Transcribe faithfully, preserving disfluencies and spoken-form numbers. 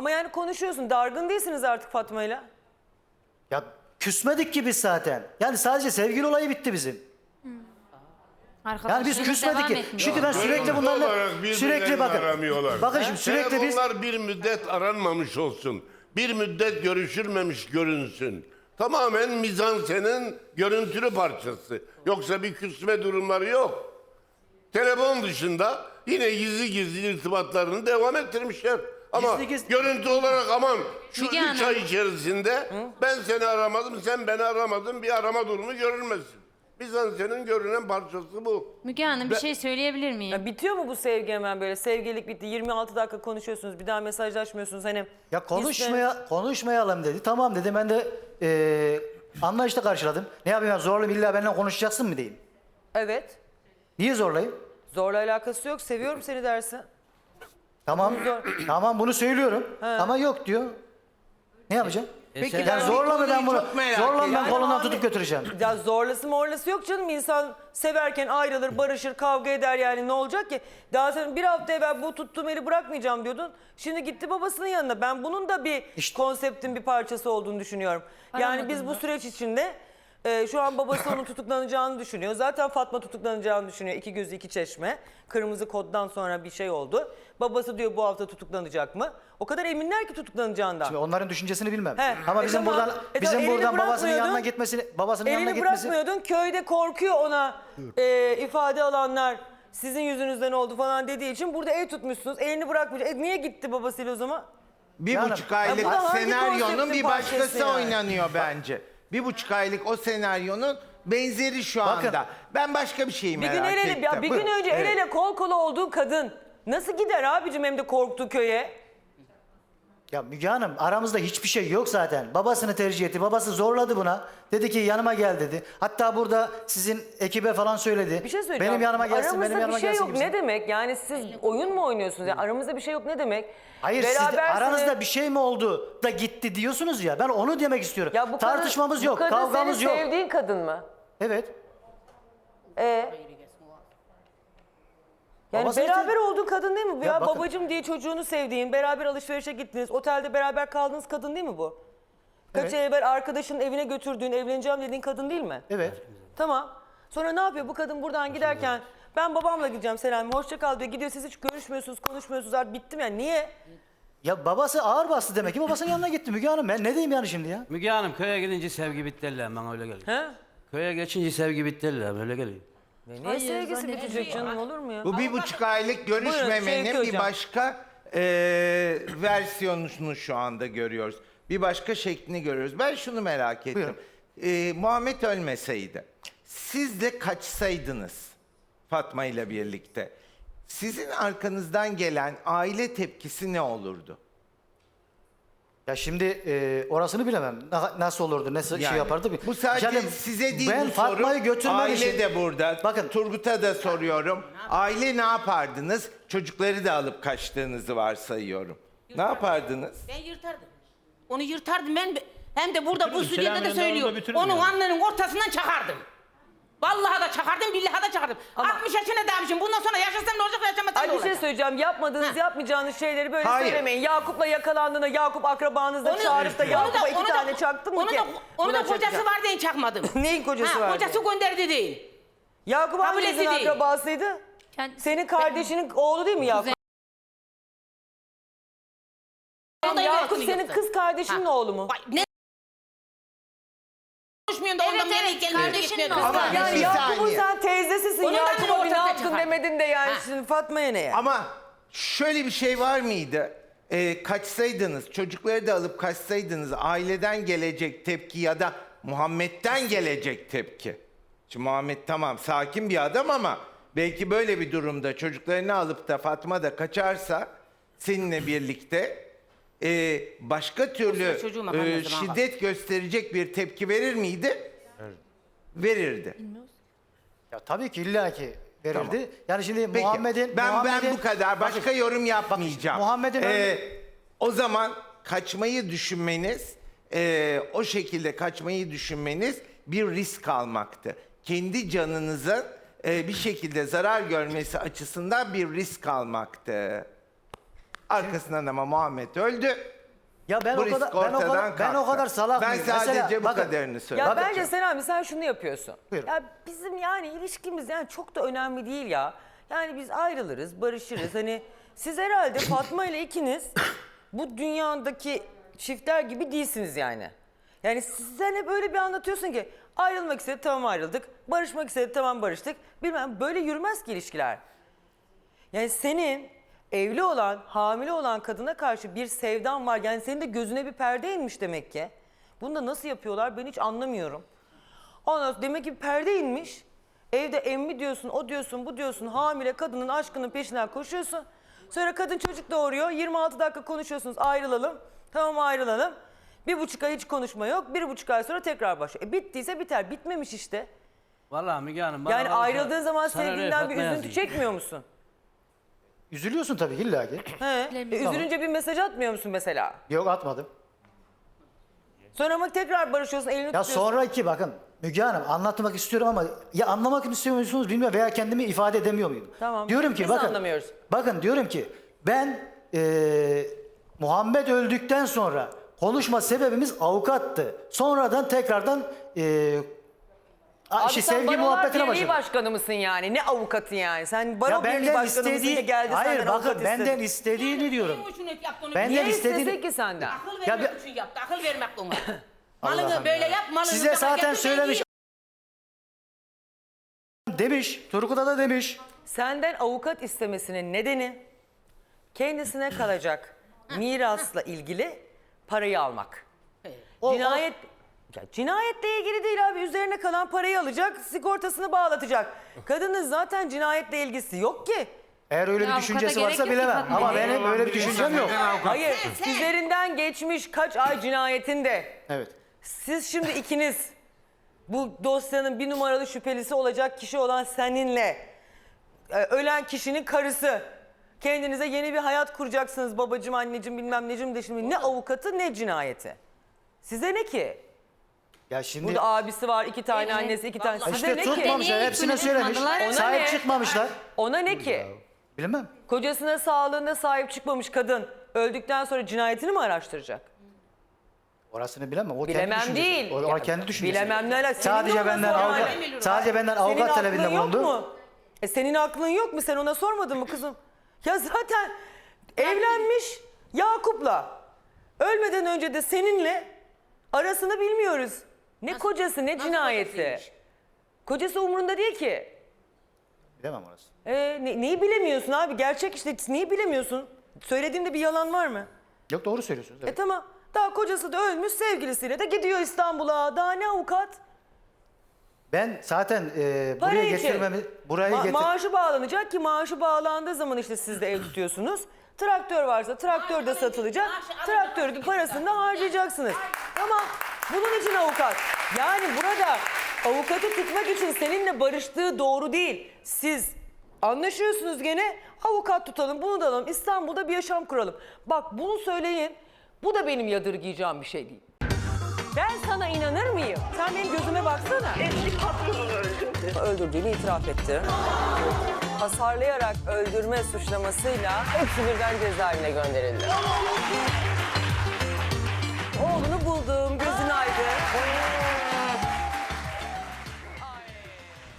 Ama yani konuşuyorsun. Dargın değilsiniz artık Fatma'yla. Ya küsmedik ki biz zaten. Yani sadece sevgili olayı bitti bizim. Yani biz küsmedik ki. Çünkü ben sürekli Görüntü bunlarla olarak sürekli birbirlerini bakın. aramıyorlar. Bakın şimdi sürekli biz Telefonlar bir müddet aranmamış olsun. Bir müddet görüşülmemiş görünsün. Tamamen mizansenin görüntülü parçası. Yoksa bir küsme durumları yok. Telefon dışında yine gizli gizli irtibatlarını devam ettirmişler. Ama Gizli gizli- görüntü olarak aman şu Müge üç Hanım. ay içerisinde ben seni aramadım, sen beni aramadın, bir arama durumu görülmesin. Mizansenin görünen parçası bu. Müge Hanım bir şey söyleyebilir miyim? Ya bitiyor mu bu sevgi hemen böyle? Sevgililik bitti. yirmi altı dakika konuşuyorsunuz. Bir daha mesajlaşmıyorsunuz. Hani ya konuşmaya konuşmayalım dedi. Tamam dedi. Ben de eee anlayışla karşıladım. Ne yapayım ya, zorla illa benimle konuşacaksın mı diyeyim. Evet. Niye zorlayayım? Zorla alakası yok. Seviyorum seni dersin. Tamam. Zor- Tamam bunu söylüyorum. Ama yok diyor. Ne yapacağım? Peki yani ben zorla mı bir ben bunu? konuyu çok merak Zorla mı ben ediyorum. kolundan abi- tutup götüreceğim? Ya zorlası morlası yok canım. İnsan severken ayrılır, barışır, kavga eder yani. Ne olacak ki? Daha sonra bir hafta evvel bu tuttuğum eli bırakmayacağım diyordun. Şimdi gitti babasının yanına. Ben bunun da bir İşte- konseptin bir parçası olduğunu düşünüyorum. Yani biz bu süreç içinde e, şu an babası onun tutuklanacağını düşünüyor. Zaten Fatma tutuklanacağını düşünüyor. İki gözü iki çeşme. Kırmızı koddan sonra bir şey oldu. Babası diyor bu hafta tutuklanacak mı? O kadar eminler ki tutuklanacağından. Şimdi onların düşüncesini bilmem. He, Ama e bizim tamam. buradan E bizim tamam, elini buradan babasının bırakmıyordun. yanına gitmesini, babasının yanına Elini gitmesi. bırakmıyordun. Köyde korkuyor ona e, ifade alanlar sizin yüzünüzden oldu falan dediği için burada ev tutmuşsunuz. Elini bırakmayacak. E, niye gitti babasıyla o zaman? Bir Yani- buçuk aylık Ya bu da hangi senaryonun konseptin bir parçası başkası yani? oynanıyor bence. Bir buçuk aylık o senaryonun benzeri şu Bakın. anda. Ben başka bir şeyi Bir merak gün el ele, ettim. ya bir gün Buyurun. önce el Evet. ele kol kola olduğu kadın nasıl gider abicim hem de korktuğu köye? Ya Müge Hanım aramızda hiçbir şey yok zaten. Babasını tercih etti. Babası zorladı buna. Dedi ki yanıma gel dedi. Hatta burada sizin ekibe falan söyledi. Bir şey söyleyeceğim. Benim yanıma gelsin, Aramızda benim yanıma bir şey gelsin. yok gibisinden. ne demek? Yani siz oyun mu oynuyorsunuz? Yani aramızda bir şey yok ne demek? Hayır siz de Berabersiniz. aranızda bir şey mi oldu da gitti diyorsunuz ya. Ben onu demek istiyorum. Ya bu kadın- Tartışmamız yok, bu kadın kavgamız senin yok. sevdiğin kadın mı? Evet. Ee? Yani Babası beraber için- olduğu kadın değil mi bu? Ya, Ya bakın- babacım diye çocuğunu sevdiğin, beraber alışverişe gittiniz, otelde beraber kaldığınız kadın değil mi bu? Kaç Evet. ay evvel arkadaşının evine götürdüğün, evleneceğim dediğin kadın değil mi? Evet. Tamam. Sonra ne yapıyor bu kadın buradan giderken? Ben babamla gideceğim Selami, hoşça kal diyor. Gidiyor siz hiç görüşmüyorsunuz, konuşmuyorsunuz artık bittim yani. Niye? Ya babası ağır bastı demek ki babasının yanına gitti Müge Hanım. Ben ne diyeyim yani şimdi ya? Müge Hanım köye gidince sevgi bitti eller bana öyle geliyor. He? Köye geçince sevgi bitti eller öyle geliyor. Niye sevgisi bitecek canım olur mu ya? Bu bir buçuk aylık Buyurun, görüşmemenin Şevki bir Hocam. başka e, versiyonunu şu anda görüyoruz. Bir başka şeklini görüyoruz. Ben şunu merak ettim. E, Muhammed ölmeseydi, siz de kaçsaydınız Fatma ile birlikte, sizin arkanızdan gelen aile tepkisi ne olurdu? Ya şimdi e, orasını bilemem. Na- Nasıl olurdu, nasıl şey Yani yapardı? Bu sadece Yani size değil ben bu Fatma'yı soru. götürmem Aile için. de burada. Bakın. Turgut'a da soruyorum. Aile ne yapardınız? Çocukları da alıp kaçtığınızı varsayıyorum. Ne yapardınız? Ben yırtardım. Onu yırtardım ben hem de burada bu Bitirirdim, stüdyoda da Selami'nin söylüyor. yanında bitiririm Onun yani. alnının ortasından çakardım. Vallahi da çakardım, billahi da çakardım. altmış yaşına dalmışım. Bundan sonra yaşasam ne olacak, yaşamasam Ay ne bir şey olacak? söyleyeceğim. Yapmadığınız, yapmayacağınız şeyleri böyle Hayır. söylemeyin. Yakup'la yakalandığında Yakup akrabanız da çağırıp da Yakup'a iki tane çaktın mı onu ki? da, onu Buna da kocası çakacağım. var diye çakmadım. Neyin kocası ha, vardı? Kocası gönderdi değil. Yakup Kabul hanginizin etti değil. akrabasıydı? Kendisi- Senin kardeşinin oğlu değil mi Yakup? O da Yakup yönetimi senin yoktu. kız kardeşinin Ha. oğlu mu? Vay, ne? Konuşmuyorsun da Evet, ondan evet, nereye gelmiyor, kardeşinin gitmiyor. oğlu. Ama Yani bir Yakup'un saniye. sen teyzesisin. Onun da Yakup'a bir ne ortasına yaptın çıkar. demedin de yani Ha. şimdi Fatma'ya ne ya? Ama şöyle bir şey var mıydı? Ee, kaçsaydınız, çocukları da alıp kaçsaydınız, aileden gelecek tepki ya da Muhammed'den gelecek tepki. Şimdi Muhammed tamam sakin bir adam ama belki böyle bir durumda çocuklarını alıp da Fatma da kaçarsa seninle birlikte e, başka türlü çocuğu e, makarnası bana şiddet gösterecek bir tepki verir miydi? Verirdi. Ya tabii ki illaki verirdi. Yani şimdi Peki, Muhammed'in ben Muhammed'in- ben bu kadar başka Bakın, yorum yapmayacağım. Muhammed'in Ee, öyle- o zaman kaçmayı düşünmeniz, e, o şekilde kaçmayı düşünmeniz bir risk almaktı. Kendi canınızın e, bir şekilde zarar görmesi açısından bir risk almaktı. Arkasından ama Muhammed öldü. Ya ben bu o risk kadar ben o ortadan kadar ben o kalktı. kadar salak Ben mıyım? sadece Mesela bu bakın, kadarını söylüyorum. Ya Bakın- bence sen abi sen şunu yapıyorsun. Buyurun. Ya bizim yani ilişkimiz yani çok da önemli değil ya. Yani biz ayrılırız, barışırız. Hani siz herhalde Fatma ile ikiniz bu dünyadaki çiftler gibi değilsiniz yani. Yani sen hep öyle bir anlatıyorsun ki ayrılmak istedi tamam ayrıldık. Barışmak istedi tamam barıştık. Bilmem böyle yürümez ki ilişkiler. Yani senin evli olan, hamile olan kadına karşı bir sevdan var. Yani senin de gözüne bir perde inmiş demek ki. Bunu da nasıl yapıyorlar ben hiç anlamıyorum. Ondan sonra demek ki bir perde inmiş. Evde emmi diyorsun, o diyorsun, bu diyorsun. Hamile kadının aşkının peşinden koşuyorsun. Sonra kadın çocuk doğuruyor. yirmi altı dakika konuşuyorsunuz ayrılalım. Tamam ayrılalım. Bir buçuk ay hiç konuşma yok. Bir buçuk ay sonra tekrar başlıyor. E bittiyse biter. Bitmemiş işte. Vallahi Müge Hanım. bana Yani kalırsa ayrıldığın zaman sana öyle sevgilinden bir Fatma üzüntü yazayım. çekmiyor musun? Üzülüyorsun tabii illa ki. He. E, üzülünce bir mesaj atmıyor musun mesela? Yok atmadım. Sonra ama tekrar barışıyorsun, elini Ya tutuyorsun. sonraki bakın Müge Hanım anlatmak istiyorum ama ya anlamak mı istiyor musunuz bilmiyorum veya kendimi ifade edemiyor muyum? Tamam, Diyorum ki biz bakın. anlamıyoruz. Bakın diyorum ki ben eee, Muhammed öldükten sonra konuşma sebebimiz avukattı. Sonradan tekrardan eee a- Abi şey, sen sevgi Barolar muhabbetine Birliği başladım. başkanı mısın yani? Ne avukatı yani? Sen Baro Ya Birliği benden başkanı mısın istediği ki geldi hayır senden avukat bakın benden istedi? istediğini diyorum. Niye şunu yaptı onu? Benden Niye istediğini istesin ki senden? Akıl Ya vermek bir- için yaptı. Akıl vermek ona. Allah'ım Malını böyle ya. yap, malını Size da zaten getir, söylemiş. Demiş. Turgut'a da demiş. Senden avukat istemesinin nedeni kendisine kalacak mirasla ilgili parayı almak. O- Cinayet ya cinayetle ilgili değil abi. Üzerine kalan parayı alacak, sigortasını bağlatacak. Kadının zaten cinayetle ilgisi yok ki. Eğer öyle bir Ya düşüncesi avukata varsa gerek yok ki bilemem. Fatma Ama Bey. benim öyle bir düşüncem yok. Hayır, üzerinden geçmiş kaç ay cinayetinde. Evet. Siz şimdi ikiniz bu dosyanın bir numaralı şüphelisi olacak kişi olan seninle e, ölen kişinin karısı kendinize yeni bir hayat kuracaksınız babacığım anneciğim bilmem necim de şimdi ne avukatı ne cinayeti. Size ne ki? Ya şimdi Burada abisi var iki tane Evet. annesi iki tane. Size işte ne ki? tutmamışlar. Niye Hepsine hiçbirini söylemiş. tutmadılar? Ona Sahip ne? çıkmamışlar. Ona ne ki? Bilmem. Kocasına sağlığına sahip çıkmamış kadın öldükten sonra cinayetini mi araştıracak? Orasını bilemem. O kendi Bilemem düşüncesi. değil. O, o kendi düşüncesi. Bilemem ne alakası? Senin Sadece de ona benden sorman avukat, lazım. sadece benden Senin avukat aklın talebinde yok bulundu. mu? E senin aklın yok mu? Sen ona sormadın mı kızım? Ya zaten evlenmiş Yakup'la. Ölmeden önce de seninle arasını bilmiyoruz. Ne kocası ne cinayeti. kocasıymış? Kocası umurunda değil ki. Bilemem orası. E, ne- neyi bilemiyorsun abi? Gerçek işte neyi bilemiyorsun? Söylediğimde bir yalan var mı? Yok doğru söylüyorsunuz. E Evet. tamam. Daha kocası da ölmüş sevgilisiyle de gidiyor İstanbul'a. Daha ne avukat? Ben zaten e, Para buraya için. getirmemi, burayı Ma- getir... maaşı bağlanacak ki maaşı bağlandığı zaman işte siz de ev tutuyorsunuz. Traktör varsa traktör de Maaşı satılacak. alınca- maaşı Traktörün alınca- parasını da harcayacaksınız. Ama bunun için avukat. Yani burada avukatı tutmak için seninle barıştığı doğru değil. Siz anlaşıyorsunuz gene avukat tutalım bunu da alalım. İstanbul'da bir yaşam kuralım. Bak bunu söyleyin. Bu da benim yadırgayacağım bir şey değil. Ben sana inanır mıyım? Sen benim gözüme baksana. Eski patronunu öldürdü. Öldürdüğünü itiraf etti. Hasarlayarak öldürme suçlamasıyla hepsi birden cezaevine gönderildi. Oğlunu buldum, gözün aydın.